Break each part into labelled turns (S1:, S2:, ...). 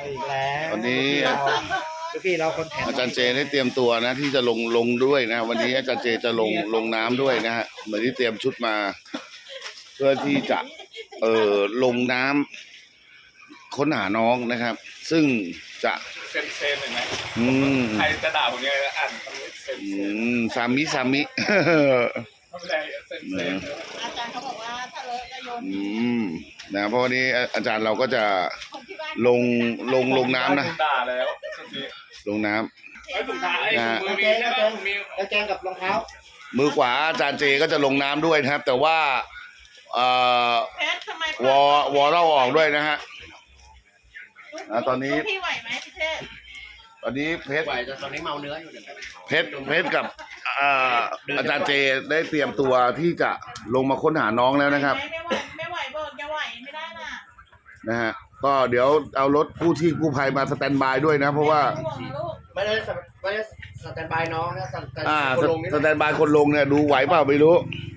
S1: อีกแล้ว
S2: วันนี้
S1: พี่เราคนแถม
S2: อาจารย์เจได้เตรียมตัวนะที่จะลงด้วยนะวันนี้อาจารย์เจจะลงน้ำด้วยนะฮะเหมือนที่เตรียมชุดมา เพื่อที่จะลงน้ำค้นหาน้องนะครับ ซึ่งจะ
S3: เซนเห็นไหม
S2: ใค
S3: รจะด่าผมยังไงอ่านคำนี้เซน
S2: สามิ
S3: ไม่เป็นไรเซน
S4: อาจารย์เขาบอกว่าถ้าเลอะก็โยน
S2: นะเพราะวันนี้อาจารย์เราก็จะ
S4: คนที่บ้าน
S2: ลงน้ำนะ
S3: ด่าแล้ว
S2: ลงน้ำ
S3: ไอ้ถุงเท้าไอ้มือมีใช่ไหมมี
S1: แล้วแกงกับรองเท้า
S2: มือขวาอาจารย์เจก็จะลงน้ำด้วยนะครับ แต่ว่า
S4: เพชรทำไม
S2: วอเล่าออกด้วยนะฮะตอนนี้
S4: พี่ไหวไหมพี่เทพ
S2: ตอนนี้เพชร
S1: ไหวแต่ตอนนี้เมาเนื้ออยู่เดี๋ยว
S2: เพชรกับอาจารย์เจได้เตรียมตัวที่จะลงมาค้นหาน้องแล้วนะครับ
S4: ไม่ไหวบอกจะไหวไม่ได้น่ะ
S2: นะฮะก็เดี๋ยวเอารถกู้ชีพกู้ภัยมาสแตนบายด้วยนะเพราะว่า
S4: ห่วงนะลูก
S1: ไม่ได้สแตนบายน้องนะสแตน
S2: สสแตนบายคนลงเนี่ยดูไหวเปล่าไม่รู้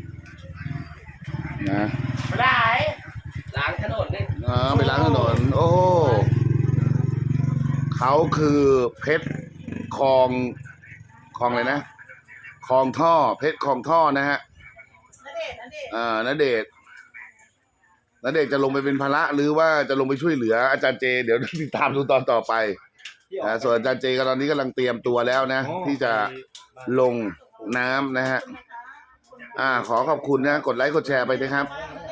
S2: นะ
S1: ไม่ได้ล้างถนนนี่
S2: ไปล้างถนนโอ้เขาคือเพชรคลองอะไรนะคลองท่อเพชรคลองท่อนะฮะ ณเดชน์จะลงไปเป็นภาระหรือว่าจะลงไปช่วยเหลืออาจารย์เจเดี๋ยวติดตามดูตอนต่อไปส่วนอาจารย์เจก็ตอนนี้กำลังเตรียมตัวแล้วนะที่จะลงน้ำนะฮะขอขอบคุณนะกดไลค์กดแชร์ไปนะครับ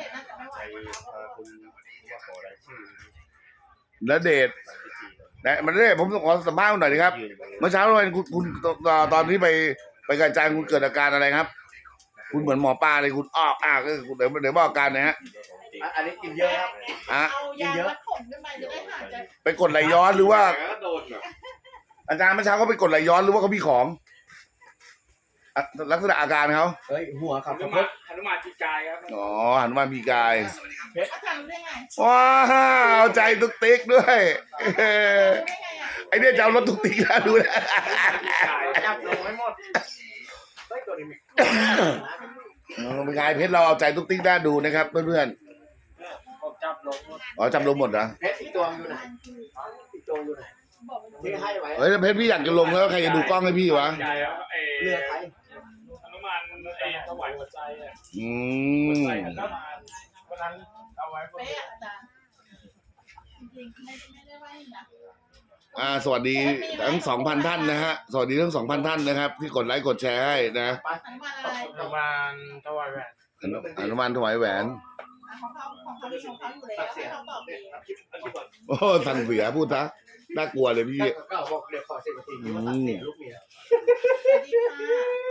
S2: ณเดชน์มันได้ผมขอสัมภาษณ์หน่อยนะครับเมื่อเช้าคุณตอนที่ไปกระจายคุณเกิดอาการอะไรครับคุณเหมือนหมอปลาเลยคุณคุณเดี๋ยวบอกอาการนะฮะ
S1: อันนี้กินเยอะครับ
S4: เอายาวัดผลขึ้นไปจะได้หายใจ
S2: ไปกดไหลย้อนหรือว่าอาจารย์เมื่อเช้าเขาไปกดไหลย้อนหรือว่าเขามีของลักษณะอาการเขา
S1: เฮ้ยหัวครับ
S3: หนุมานจีกายครับ
S2: อ๋อหันมามีกาย
S4: อาจารย์รู้ได้ไง
S2: ว้าวเอาใจตุ๊กติ๊กด้วย
S4: รู้ได้ไงอ่ะ
S2: ไอเนี่ยจะเอารถตุ๊กติ๊กนะดูนะ
S1: จับลงไม่หมดเฮ้ยตัวนี้
S2: เป็นไงเพชรเราเอาใจตุ๊กติ๊กได้ดูนะครับเพื่อน
S3: ผมจับลง
S2: ๆอ๋อจำลงหมดนะ
S1: เพชรอีกตัวอยู่ไหนอีกตัวอยู่ไหนที่ให้ไว้
S2: เฮ้ยเพชรพี่อยากจะลงแล้วใครจะดูกล้องให้พี่วะ
S3: ใหญ่อะไอ้
S1: เลือกใคร
S3: หนุมานไอ้ถวายหัวใจอ่ะ
S2: ม
S3: ใส่หนุมานวันนั้นเอาไว้
S4: เป๊ะอาจารย์จริงๆไม่ได้ว่านะ
S2: สวัสดีทั้ง 2,000 ท่านนะฮะสวัสดีทั้ง 2,000 ท่านนะครับที่กดไลค์กดแชร์ให้นะ
S4: อนุบาลอะไร
S3: หนุมานถวายแหวน
S2: อนุมานถวายแหวน
S4: ของเขามีของเขาอยู่แล้วให้เขาตอบดี
S2: โอ้สั่งเสียพูดซะน่ากลัวเลยพี่
S1: ก็บอกเดี๋ยวขอ10 นาทีว่าตัดเสียลูกเมีย
S4: สวัสดีค่ะ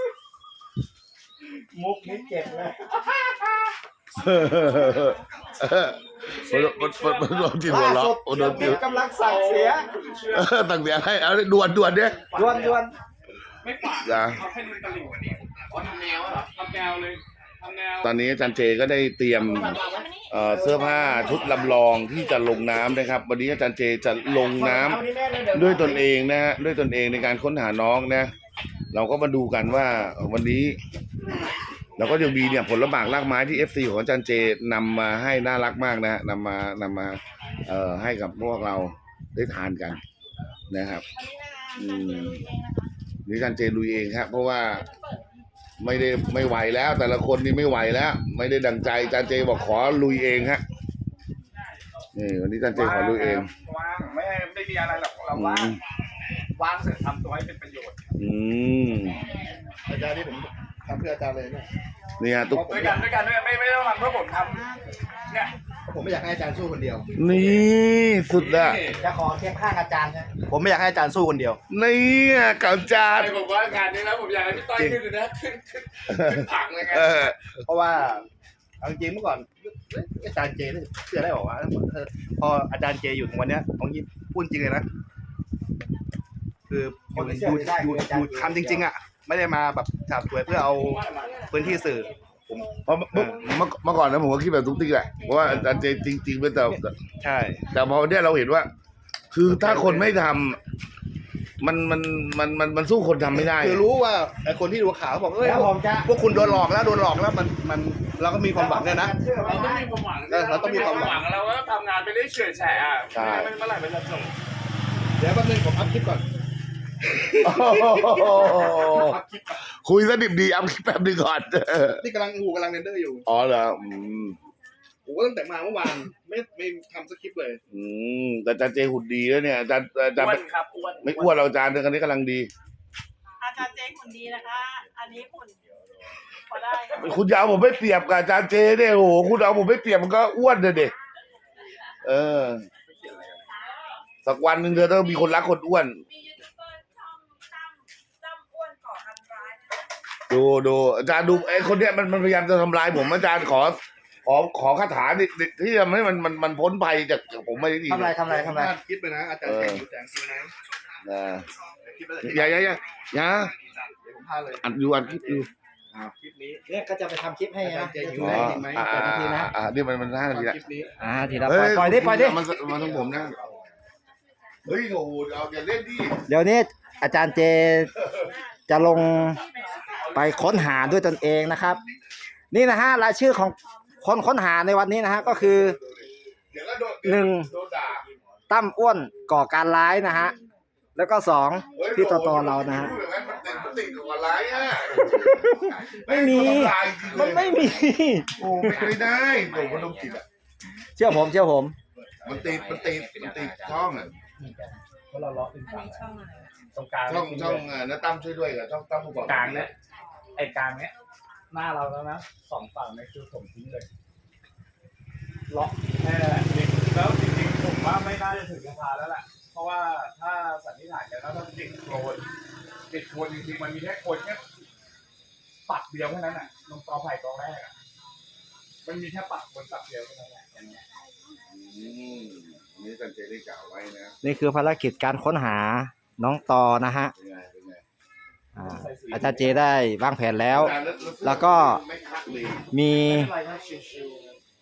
S1: มุกนี้เจ็บเลย
S2: มันโดนจิตหัวเราะโดนจิต
S1: กำลังสั่งเสีย
S2: สั่งเสียให้เอาด่วนเนี่ย
S1: ดวน
S3: ไม่ปาก
S2: อย่า
S3: เอาแค่ริมตลิ่งทำแนวเหรอทำแนวเลยทำแนว
S2: ตอนนี้อาจารย์เจก็ได้เตรียมเสื้อผ้าชุดลำลองที่จะลงน้ำนะครับ วันนี้อาจารย์เจจะลงน้ำด้วยตนเองนะฮะด้วยตนเองในการค้นหาน้องนะเราก็มาดูกันว่าวันนี้เราก็ยังมีเนี่ยผลหมากรากไม้ที่ FC ของอาจารย์เจนำมาให้น่ารักมากนะฮะนำมาให้กับพวกเราได้ทานกันนะครับนี่อาจารย์เจลุยเองครับเพราะว่าไม่ไหวแล้ว แต่ละคนนี่ไม่ไหวแล้ว ไม่ได้ดังใจอาจารย์เจบอกขอลุยเองฮะนี่วันนี้อาจารย์เจขอลุยเอง
S3: วางไม่มีอะไรหรอกเราวางเสร็จทำตัวให้เป็นประโยชน์
S1: อาจารย์นี่ผมทำเพื่ออาจารย์เลยเนี่ย
S2: เนี่ยตุ๊ก
S3: ด้วยกันไม่ต้องทำเพื่อผมทำเนี่ย
S1: ผมไม่อยากให้อาจารย์สู้คนเดียว
S2: นี่สุดอะ
S1: จะขอเทียบข้างอาจารย์นะผมไม่อยากให้อาจารย์สู้คนเดียว
S2: นี่กับอาจารย์
S3: ผมว่างานนี้แล้วผมอยากให้พี่ต้อยขึ้นเลยนะขึ้นผังเลยไง
S1: เพราะว่าเอาจริงเมื่อก่อนอาจารย์เจนี่เชื่อได้บอกว่าพออาจารย์เจอยู่ถึงวันเนี้ยของยิปพูดจริงเลยนะคืออยู่ทำจริงๆอ่ะไม่ได้มาแบบฉาบสวยเพื่อเอาพื้นที่สื่อ
S2: เพราะเมื่อก่อนนะผมก็คิดแบบตุ๊กติ๊กแหละเพราะว่าอาจารย์เจจริงๆเป็นแต่
S1: ใช่
S2: แต่พอเนี่ยเราเห็นว่า คือถ้าคนไม่ทำมันสู้คนทำไม่ได้
S1: คือรู้ว่าไอ้คนที่ดูข่าวเขาบอกพวกคุณโดนหลอกแล้วมันเราก็มีความหวังเนี่ยนะ
S3: เราต้องมีความหวัง
S1: เราต้องมีความหวัง
S3: เราก็ทำงานไปเรื่อยเฉื่อยแฉะอ่ะไม่เมื่อไหร่มันจะจบ
S1: เดี๋ยวแป๊บนึงผมอัพคลิปก่อน
S2: โอ้โห
S1: อัพคลิปก่อน
S2: คุยสนิทดีอัพคลิปแป๊บนึงก่อน
S1: นี่กำลังเรนเดอร์อยู่
S2: อ๋อเหรอ
S1: ผมก็ตั้งแต่มาเมื่อวานไม่ทำสคริปต์เลย
S2: แต่อาจารย์เจหุ่นดีแล้วเนี่ยอาจารย์
S3: อ้วนครับอ้วน
S2: ไม่อ้วนเราอาจารย์คันนี้กำลังดี
S4: อาจารย์เจหุ่นดีนะคะ อันนี้หุ่นพอได้
S2: คุณจะเอาผมไม่เปรียบกับอาจารย์เจเนี่ยโอ้โหคุณเอาผมไม่เปรียบมันก็อ้วนเลยเด็กสักวันหนึ่งเธอต้องมีคนรักคนอ้วน
S4: มียูทูบเบอร์ช่องตั้มอ้วนก่อการร้าย
S2: ดูอาจารย์ดูไอ้คนเนี้ยมันพยายามจะทำลายผมอาจารย์ขอคาถาที่ทำให้มันพ้นภัยจากผมไม่ได้ดี
S5: ทำไร
S1: คลิปเลยนะอาจารย์เจอยู่แสงสีนะ คลิปเลย
S2: อย่า
S1: เดี๋ยวผมพาเลย
S2: อัดคลิปอยู่
S1: คลิปนี้
S5: เนี่ยก็จะไปทำคลิปให้
S1: อาจา
S5: นะ
S1: รย์เจอยู่
S5: ได้
S1: ได้จริงไหม
S2: นี่มัน5 นาทีละ
S1: คลิปนี้
S5: ทีละปล่อยดิ
S2: มันต้องผมนะเฮ้ยโอ้โหเอาอย่าเล่นดิ
S5: เดี๋ยวนี้อาจารย์เจจะลงไปค้นหาด้วยตนเองนะครับ นี่นะฮะรายชื่อของคนค้นหาในวันนี้นะฮะก็คือ
S2: เดี๋ยวก็โดนด่า
S5: ตั้มอ้วนก่อการร้ายนะฮะแล้วก็2พี่ตเรานะฮะ
S2: มันติดกับอะไรอ่ะ
S5: ไม่มีมันไม่มี
S2: โอ้ไม่ได้โดนมันต้องติดอ่ะ
S5: เชื่อผม
S2: มันติดช่องอ่ะ
S3: เพราะเราล้อเป็น
S4: อันนี้ช่องอะไร
S3: ตรงกลาง
S2: ช่องน้าตั้มช่วยด้วยกับช่องตั้มผู้ก่อก
S3: ลางเนี่ยไอ้กลางเนี้ยหน้าเราแล้วนะ2 ฝั่งเนี่ยคือผมทิ้งเลยล็อกแค่นั้นแหละแล้วจริงๆผมว่าไม่น่าจะถึงสะพานแล้วแหละเพราะว่าถ้าสันนิษฐานกันแล้วถ้าติดโคลนจริงๆมันมีแค่โคลนแค่ปักเดียวแค่นั้นอ่ะลงตอไผ่ตอแรกอ่ะมันมีแค่ปักบนปักเดียวแค่นั้นแหละอย่างเงี้ย
S2: นี่กันเจได้กล่าวไว้นะ
S5: นี่คือภารกิจการค้นหาน้องตอนะฮะ
S2: เป็นไง
S5: อาจารย์เจได้วางแผนแล้ว แล้วก็
S2: ไม่คักเลย
S5: มี
S3: อะไรนะชิว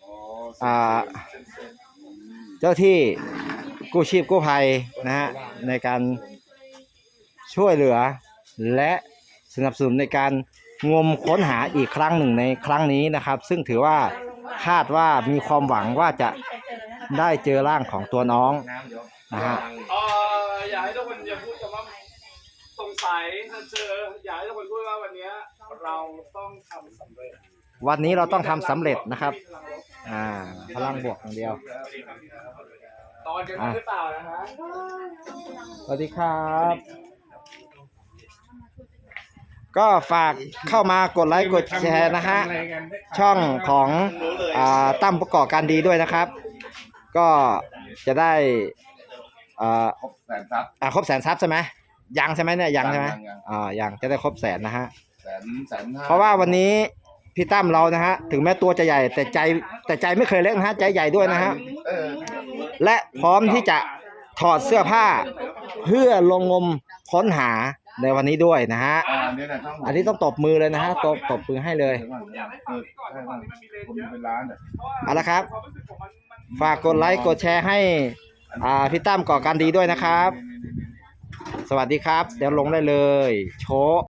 S5: เจ้าที่กู้ชีพกู้ภัยนะฮะในการช่วยเหลือและสนับสนุนในการงมค้นหาอีกครั้งหนึ่งในครั้งนี้นะครับ ซึ่งถือว่าคาดว่ามีความหวังว่าจะได้เจอร่างของตัวน้องนะฮะ
S3: อยากให้ทุกคนอย่าพูดคำว่าสงสัยถ้าเจออยากให้ทุกคนพูดว่าวันนี้เราต้องทำสำเร็จ
S5: วันนี้เราต้องทำสำเร็จนะครับพลังบวกอย่างเดียว
S3: ตอนกันหรือเปล่านะฮะ
S5: สวัสดีครับ ก็ฝากเข้ามากดไลค์กดแชร์นะฮะช่องของตั้มประกอบการดีด้วยนะครับ ก็จะได้ครบ100,000 ซับใช่ไหมยังใช่ไหมเนี่ยยังใช่ไหมยังจะได้ครบ100,000นะฮะ
S2: 100,000
S5: เพราะว่าวันนี้พี่ตั้มเรานะฮะถึงแม้ตัวจะใหญ่แต่ใจไม่เคยเล็กนะฮะใจใหญ่ด้วยนะฮะและพร้อมที่จะถอดเสื้อผ้าเพื่อลงงมค้นหาในวันนี้ด้วยนะฮะอันนี้ต้องตบมือเลยนะฮะตบมือให้เลย
S3: อยากให้ฟังนี้ก่อนก่อนที่มันมีเลน
S2: คน
S3: เยอะ
S2: เป็นล้านอ่ะ
S5: เอาละครับ
S3: ความรู้สึกของมัน
S5: ฝากกดไลค์กดแชร์ให้พี่ตั้มก่อการดีด้วยนะครับ สวัสดีครับ เดี๋ยวลงได้เลยโชว์